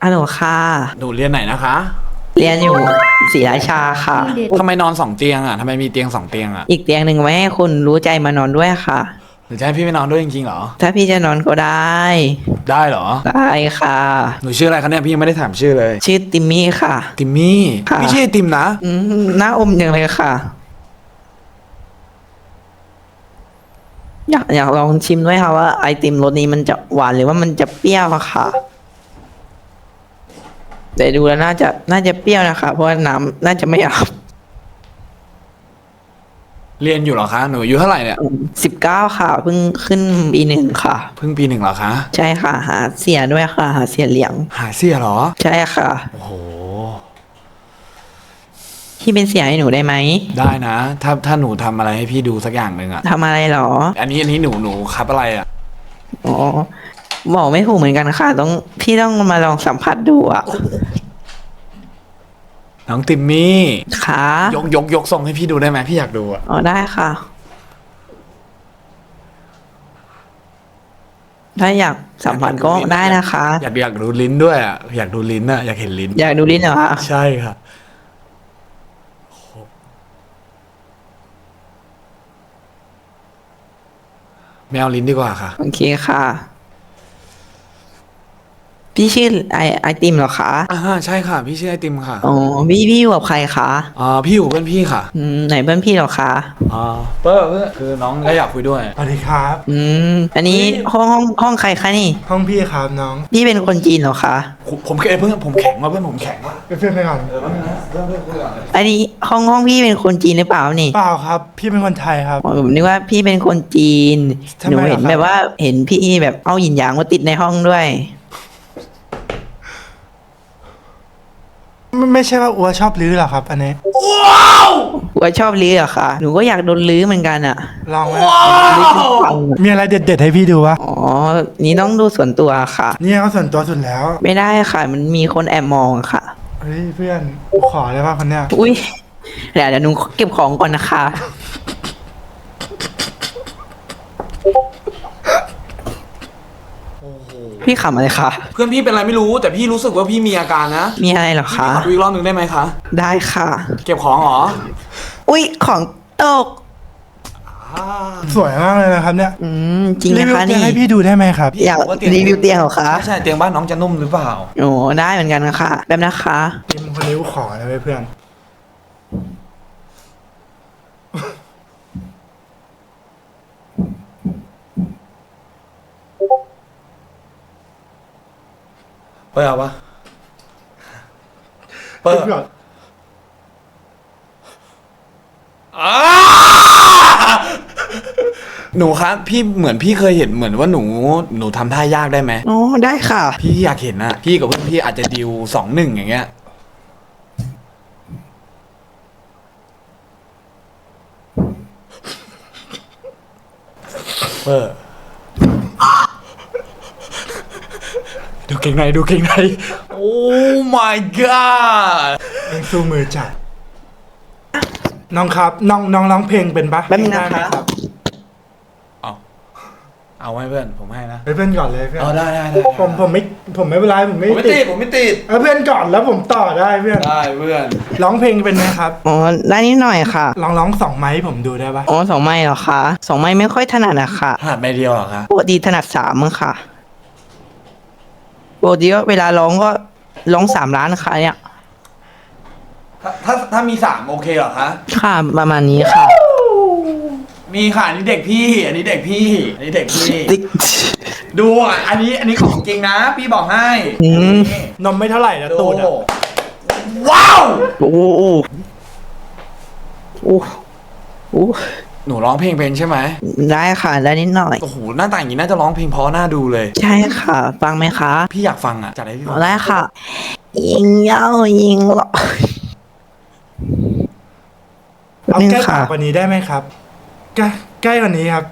ฮัลโหลค่ะหนูเรียนไหนนะคะเรียนอยู่ศรีราชาค่ะทำไมนอน2 เตียงอ่ะทำไมมีเตียง2 เตียงอ่ะอีกเตียงหนึ่งไว้ให้คุณรู้ใจมานอนด้วยค่ะหรือจะให้พี่ไปนอนด้วยจริงๆเหรอถ้าพี่จะนอนก็ได้ได้เหรอได้ค่ะหนูชื่ออะไรคะเนี่ยพี่ยังไม่ได้ถามชื่อเลยชื่อติมมี่ค่ะติมมี่ค่ะพี่ชื่อไอติมนะหน้าอมอย่างเลยค่ะอยากลองชิมด้วยค่ะว่าไอติมรสนี้มันจะหวานหรือว่ามันจะเปรี้ยวอะค่ะแต่ดูแล้วน่าจะเปรี้ยวนะคะเพราะว่าน้ำน่าจะไม่อาบเรียนอยู่เหรอคะหนูอายุเท่าไหร่เนี่ย 19ค่ะเพิ่งขึ้นปี 1ค่ะเพิ่งปี 1เหรอคะใช่ค่ะหาเสียด้วยค่ะหาเสียเหลียงหาเสียเหรอใช่ค่ะโอ้โหพี่เป็นเสียให้หนูได้ไหมได้นะถ้าหนูทำอะไรให้พี่ดูสักอย่างหนึ่งอะทำอะไรหรออันนี้หนูครับอะไรอะอ๋อบอกไม่ถูกเหมือนกันค่ะพี่ต้องมาลองสัมผัสดูอะน้องติมมี่ค่ะยกทรงให้พี่ดูได้ไหมพี่อยากดูอะอ๋อได้ค่ะถ้าอยากสัมผัสก็ได้นะคะอยากดูลิ้นด้วยอะอยากดูลิ้นอะอยากเห็นลิ้นอยากดูลิ้นเหรอคะใช่ค่ะไม่เอาลิ้นดีกว่าค่ะโอเคค่ะพี่ชื่อไอติมเหรอคะใช่ค่ะพี่ชื่อไอติมค่ะอ๋อพี่อยู่กับใครคะพี่อยู่เพื่อนพี่ค่ะไหนเพื่อนพี่เหรอคะเพื่อคือน้องก็อยากคุยด้วยสวัสดีครับอันนี้ห้องใครคะนี่ห้องพี่ครับน้องพี่เป็นคนจีนเหรอคะผมเพื่อนผมแข็งว่ะเพื่อนผมแข็งว่ะเป็นเพื่อนไปก่อนเพื่อนคุยก่อนอันนี้ห้องพี่เป็นคนจีนหรือเปล่านี่เปล่าครับพี่เป็นคนไทยครับผมนึกว่าพี่เป็นคนจีนทำไมหนูเห็นแบบว่าเห็นพี่แบบเอาหยินหยางมาติดในห้องด้วยไม่ใช่ว่าอัวชอบลื้อหรอครับอันนี้ว่าชอบลื้อเหรอคะหนูก็อยากโดนลื้อเหมือนกันอะลองไหมมีอะไรเด็ดๆให้พี่ดูวะอ๋อนี่ต้องดูส่วนตัวค่ะนี่เขาส่วนตัวสุดแล้วไม่ได้ค่ะมันมีคนแอบมองค่ะเฮ้ยเพื่อนขอได้ป่ะคนเนี้ยอุ้ยเดี๋ยวหนูเก็บของก่อนนะคะพี่ขำอะไรคะเพื่อนพี่เป็นอะไรไม่รู้แต่พี่รู้สึกว่าพี่มีอาการนะมีอะไรเหรอคะขอดูอีกรอบหนึ่งได้ไหมคะได้ค่ะเก็บของเหรออุ้ยของตกสวยมากเลยนะครับเนี่ยจริงนะคะนี่ให้พี่ดูได้ไหมครับอยากรีวิวเตียงเหรอคะใช่เตียงบ้านน้องจะนุ่มหรือเปล่าโอ้ได้เหมือนกันค่ะแป๊บนะคะทีมคนนี้ขอนะเพื่อนเปิดเอาปะเปิดก่อนหนูครับพี่เหมือนพี่เคยเห็นเหมือนว่าหนูทำท่ายากได้ไหมอ๋อได้ค่ะพี่อยากเห็นนะพี่กับเพื่อนพี่อาจจะดิว2-1อย่างเงี้ยเปิดดูเก่งในโอ้ my god เอ็งสู้มือจัดน้องครับน้องร้องเพลงเป็นปะแป๊บนึงนะครับเอาให้เพื่อนผมให้นะเพื่อนก่อนเลยเพื่อนได้ผมไม่เป็นไรผมไม่ติดเพื่อนก่อนแล้วผมต่อได้เพื่อนได้เพื่อนร้องเพลงเป็นไหมครับอ๋อได้นิดหน่อยค่ะร้อง2 ไม้ผมดูได้ปะอ๋อ2 ไม้เหรอคะ2 ไม้ไม่ค่อยถนัดอะค่ะถนัดไม้เดียวเหรอคะปกติถนัด3มั้งค่ะปกติเวลาร้องก็ร้อง3 ล้านค่ะเนี่ยถ้ามี3โอเคเหรอคะค่ะประมาณนี้ค่ะมีค่ะอันนี้เด็กพี่ดูอันนี้ของจริงนะพี่บอกให้นมไม่เท่าไหร่นะตูดว้าวโอ้หนูร้องเพลงเป็นใช่ไหมได้ค่ะได้นิดหน่อยโอ้โหหน้าตาอย่างนี้น่าจะร้องเพลงเพราะน่าดูเลยใช่ค่ะฟังไหมคะพี่อยากฟังอ่ะจัดให้พี่ฟังได้ค่ะยิงเย้ายิงหรอเอาใกล้กว่านี้ได้ไหมครับใกล้กว่านี้ครับ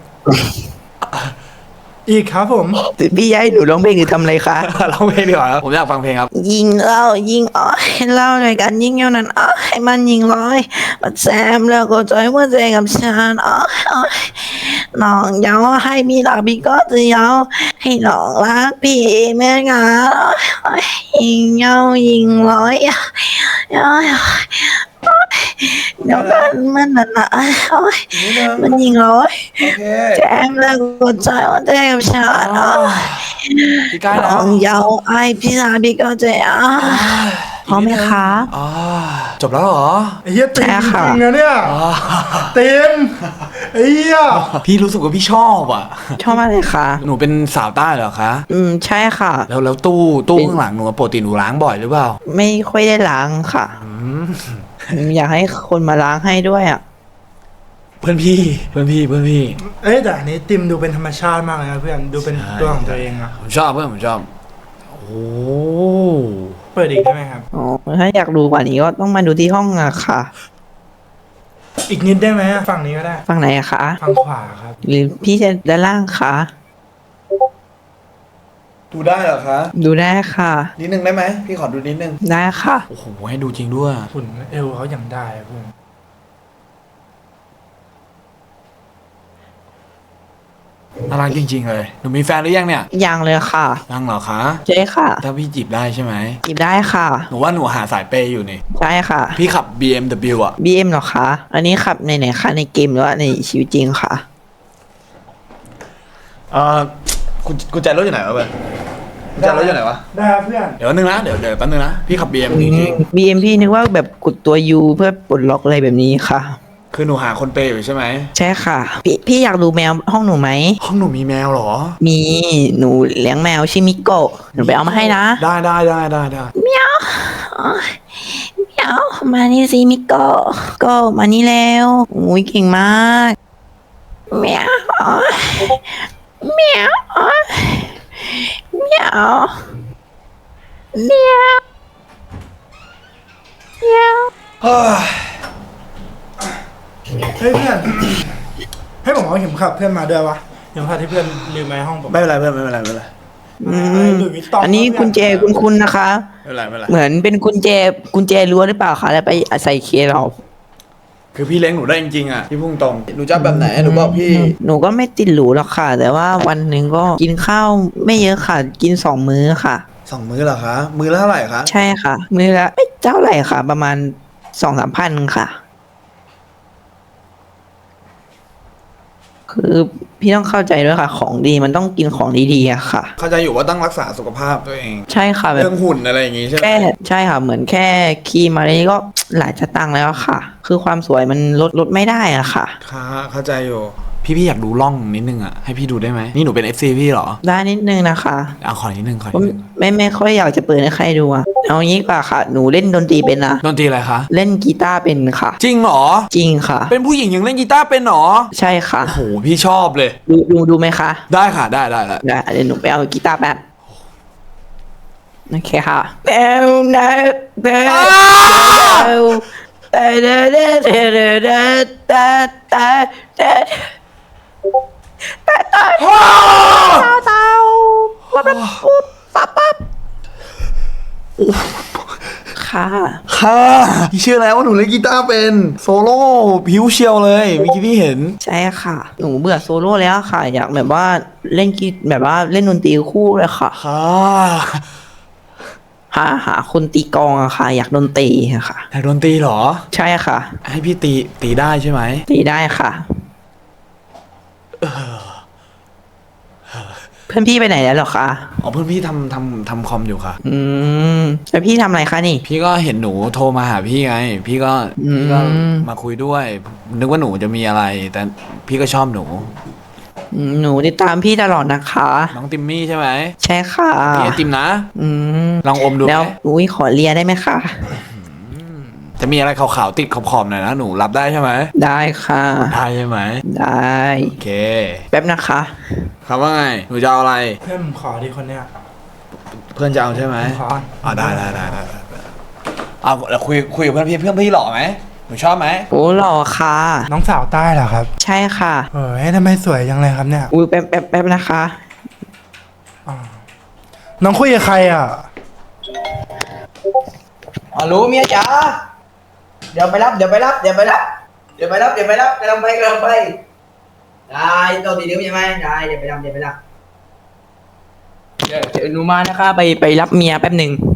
อีกครับผมพี่ย้ายหนูร้องเพลงหรือทำอะไรคะร้องเพลงดีกว่าผมอยากฟังเพลงครับยิงเล่ายิงอ้อยเล่าด้วยกันยิงเท่านั้นอ้อยมันยิงร้อยมันแซมแล้วก็จอยว่าใจกับฉันอ้อยน้องอยากให้พี่รักพี่ก็จะยาวให้น้องรักพี่เหมื่อนกันยิงยาวยิงร้อยเดี๋ยวกันมันน่ะนะมันยิงร้อยโอเคแจมแล้วก็ใจว่าเต็มชาติพี่ใกล้น้แล้อวงยาวไอพี่รักพี่ก็จะยาวพร้อมไหมคะอ๋อจบแล้วเหรอไอ้เหี้ยตีมใช่ค่ะจริงนะเนี่ยอ๋อเต็มไอ้เหี้ยพี่รู้สึกว่าพี่ชอบอ่ะชอบมากเลยค่ะหนูเป็นสาวใต้เหรอคะใช่ค่ะแล้วตู้ข้างหลังหนูปกติหนูล้างบ่อยหรือเปล่าไม่ค่อยได้ล้างค่ะ อยากให้คนมาล้างให้ด้วยอ่ะเพื่อนพี่เอ้ยแต่อันนี้ติมดูเป็นธรรมชาติมากเลยนะเพื่อนดูเป็นตัวของตัวเองอะผมชอบเพื่อนผมชอบ โอ้เปิดอีกได้ไหมครับอ๋อ ถ้าอยากดูกว่านี้ก็ต้องมาดูที่ห้องอะค่ะอีกนิดได้ไหมอะฝั่งนี้ก็ได้ฝั่งไหนอะคะฝั่งขวาครับหรือพี่จะด้านล่างคะดูได้เหรอคะดูได้ค่ะนิดนึงได้ไหมพี่ขอดูนิดนึงได้ค่ะโอ้โหให้ดูจริงด้วยหุ่นเอวเขาอย่างได้อะเพื่อนน่ารักจริงๆเลยหนูมีแฟนหรือยังเนี่ยยังเลยค่ะยังเหรอคะใช่ค่ะถ้าพี่จีบได้ใช่ไหมจีบได้ค่ะหนูว่าหนูหาสายเปย์อยู่นี่ใช่ค่ะพี่ขับ BMW อ่ะ BM เหรอคะ อันนี้ขับในไหนคะในเกมหรือว่าในชีวิตจริงค่ะกุญแจรถอยู่ไหนวะเพื่อนกุญแจรถอยู่ไหนวะได้ครับเพื่อนเดี๋ยวนึงนะเดี๋ยวแป๊บนึงนะพี่ขับ BM จริง BM พี่นึกว่าแบบกดตัว U เพื่อปลดล็อกอะไรแบบนี้ค่ะๆคือหนูหาคนเปย์อยู่ใช่ไหมใช่ค่ะ พี่อยากดูแมวห้องหนูไหมห้องหนูมีแมวเหรอมีหนูเลี้ยงแมวชื่อมิโกะหนูไปเอามาให้นะได้เมียวเมียวมานี่สิมิโกะโกะมานี่แล้วอุ้ยเก่งมากเมียวเมียวเมียวเมียวเมียวเฮ้ยเฮ้ยเพื่อน ให้ผมเอาเข็มขัดเพื่อนมาด้วยวะเข็มขัดที่เพื่อนลืมไว้ห้องผมไม่เป็นไรเพื่อนไม่เป็นไรไม่เป็นไรหลุยส์วิตตองอันนี้กุญแจคุณนะคะไม่เป็นไรไม่เป็นไรเหมือนเป็นกุญแจรั้วหรือเปล่าคะแล้วไปใส่เคสเราคือพี่เลี้ยงหนูได้จริงๆอ่ะพี่พุ่งตรงหนูจะแบบไหนหนูบอกพี่หนูก็ไม่ติดหรูหรอกค่ะ แต่ว่าวันหนึ่งก็กินข้าวไม่เยอะค่ะ กิน2 มื้อค่ะ 2 มื้อเหรอคะมื้อละเท่าไหร่คะใช่ค่ะ มื้อละไม่เท่าไหร่ค่ะ ประมาณ2-3 พันค่ะ คือพี่ต้องเข้าใจด้วยค่ะ ของดีมันต้องกินของดีๆอะค่ะเข้าใจอยู่ว่าต้องรักษาสุขภาพตัวเองใช่ค่ะแบบเรื่องหุ่นอะไรอย่างงี้ใช่ไหมแค่ใช่ค่ะ เหมือนแค่ครีมอะไรนี้ก็หลายสตางค์แล้วอะค่ะ คือความสวยมันลดไม่ได้อะค่ะค่ะเข้าใจอยู่พี่อยากดูร่องนิดนึงอ่ะให้พี่ดูได้ไหมนี่หนูเป็น FC พี่เหรอได้นิดนึงนะคะเอาขอนิดนึงก็ไม่ค่อยอยากจะเปิดให้ใครดูอะเอางี้ดีกว่าค่ะ หนูเล่นดนตรีเป็นนะดนตรีอะไรคะเล่นกีตาร์เป็นค่ะจริงเหรอจริงค่ะเป็นผู้หญิงยังเล่นกีตาร์เป็นเหรอใช่ค่ะโอ้โหพี่ชอบเลยดูไหมคะได้ค่ะได้ได้เดี๋ยวหนูไปเอากีตาร์แป๊บโอเคค่ะแบวนะแบวแต่เดเดเดเดเดแต่แต่แต่แต่เต่าปุ๊บปั๊บค่ะค่ะพี่เชื่อแล้วว่าหนูเล่นกีตาร์เป็นโซโล่ผิวเชียวเลยเมื่อกี้พี่เห็นใช่ค่ะ หนูเบื่อโซโล่แล้วค่ะ อยากแบบว่าเล่นแบบว่าเล่นดนตรีคู่เลยค่ะค่ะหาคนตีกลองอะค่ะ อยากดนตรีอะค่ะแต่ดนตรีเหรอใช่ค่ะให้พี่ตีได้ใช่ไหมตีได้ค่ะเพื่อนพี่ไปไหนแล้วเหรอคะอ๋อเพื่อนพี่ทำคอมอยู่ค่ะแล้วพี่ทำอะไรคะนี่พี่ก็เห็นหนูโทรมาหาพี่ไง พี่ก็มาคุยด้วย นึกว่าหนูจะมีอะไร แต่พี่ก็ชอบหนูหนูติดตามพี่ตลอดนะคะน้องติมมี่ใช่ไหมใช่ค่ะพี่ไอติมนะ ลองอมดูไหแล้วมอุ้ยขอเลียได้ไหมคะจะมีอะไรขาวๆติดขอบๆหน่อยนะหนูรับได้ใช่ไหมได้ค่ะได้ใช่ไหมได้โอเคแป๊บนะคะครับว่าไงหนูจะเอาอะไรเพื่อนผมขอดีคนเนี้ยเพื่อนจะเอาใช่ไหมขออ๋อได้เอาเดี๋ยวคุยกับเพื่อนพี่หล่อไหมหนูชอบไหมโอ้หล่อค่ะน้องสาวใต้เหรอครับใช่ค่ะเฮ้ยทำไมสวยจังเลยครับเนี่ยอุ้ยแป๊บนะคะน้องคุยกับใครอ่ะอ๋อรู้เมียจ๋าเดี๋ยวไปรับกำลังไปได้โดนตีนิ้วใช่ไหมได้เดี๋ยวไปทำเดี๋ยวไปทำเดี๋ยวหนูมานะคะไปรับเมียแป๊บหนึ่ง